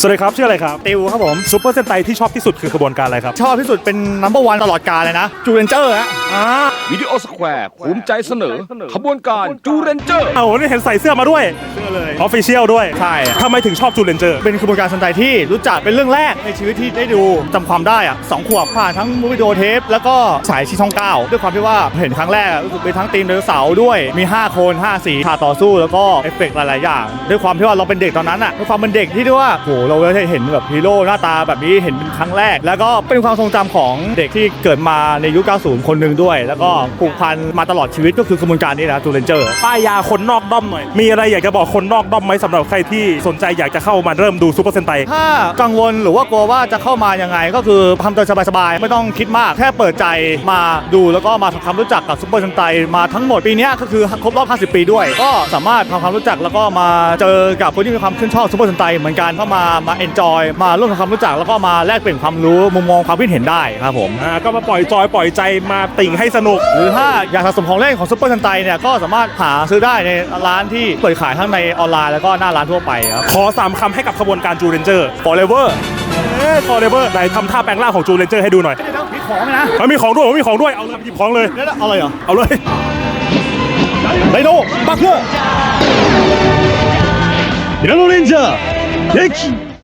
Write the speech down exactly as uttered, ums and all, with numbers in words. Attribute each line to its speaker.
Speaker 1: วัสดีครับชื่ออะไรครับ
Speaker 2: ติวครับผม
Speaker 1: ซูเปอร์เซนไตที่ชอบที่สุดคือขบวนการอะไรครับ
Speaker 2: ชอบที่สุดเป็นนัมเบอร์วันตลอดกาลเลยนะจูเรนเจอร์ฮะ
Speaker 1: อ่า
Speaker 3: วิดีโอสแควร์ภูมิใจเสนอ ขบวนการจูเรนเจอร์
Speaker 1: เอานี่เห็นใส่เสื้อมาด้วย
Speaker 2: เชื่อเลย
Speaker 1: ออฟฟิเชียลด้วย
Speaker 2: ใช่
Speaker 1: ทำไมถึงชอบจูเลนเจอร์
Speaker 2: เป็นขบวนการสันไตที่รู้จักเป็นเรื่องแรกในชีวิตที่ได้ดูจำความได้อะสองขวบผ่านทั้งมูวิดีโอเทปแล้วก็สายชีช่องเก้าด้วยความที่ว่าเห็นครั้งแรกรู้สึกเป็นทั้งทีมไดโนเสาร์ด้วยมีห้าคนห้าสีฉากต่อสู้แล้วก็เอฟเฟกต์หลายๆอย่างด้วยความที่ว่าเราเป็นเด็กตอนนั้นอะด้วยความเป็นเด็กที่ด้วยว่าโหเราได้เห็นแบบฮีโร่หน้าตาแบบนี้เห็นเป็นครั้งแรกแล้วก็เป็นความทรงจำของเด็กที่เกิดมาในยุคเก้าสิบคนหนึ่งด้วยแล้วก็ผูกพันมาตลอดชีวิตก็คือกระบวนการนี้นะจูเลนเจอร์
Speaker 1: ป้ายยาคนนอกด้อมหน่อยมีอะไรอยากจะบอกคนนอกด้อมไหมสำหรับใครที่สนใจอยากจะเข้ามาเริ่มดูซูเปอร์เซนไต
Speaker 2: ถ้ากังวลหรือว่ากลัวว่าจะเข้ามายังไงก็คือทำตัวสบายๆไม่ต้องคิดมากแค่เปิดใจมาดูแล้วก็มาทำความรู้จักกับซูเปอร์เซนไตมาทั้งหมดปีนี้ก็คือครบรอบห้าสิบปีด้วยก็สามารถทำความรู้จักแล้วก็มาเจอกับคนที่มีความชื่นชอบซูเปอร์เซนไตเหมือนกันเข้ามามาเอนจอยมาร่วมทำความรู้จักแล้วก็มาแลกเปลี่ยนความรู้มุมมองความคิดเห็นได้ครับผม
Speaker 1: อ่าก็มาปล่อยจอยปล่อยใจมาติ่งให้สนุก
Speaker 2: หรือถ้าอยากสะสมของเล่นของซูเปอร์เซนไตเนี่ยก็สามารถหาซื้อได้ในร้านที่เปิดขายทั้งในออนไลน์แล้วก็หน้าร้านทั่วไปครับ
Speaker 1: ขอสามคำให้กับขบวนการจูเลนเจอร์ forever เอ๊ะ forever ไหนทำท่าแปลงร่างของจูเลนเจอร์ให้ดูหน่อย
Speaker 2: มีของไหมนะ
Speaker 1: มันมีของด้วยผมมีของด้วยเอาเลยหยิบของเลย
Speaker 2: แล้วเอาอะไรเหรอ
Speaker 1: เอาเลย
Speaker 2: ไดโนบักโง่
Speaker 4: ティラノレンジャー撃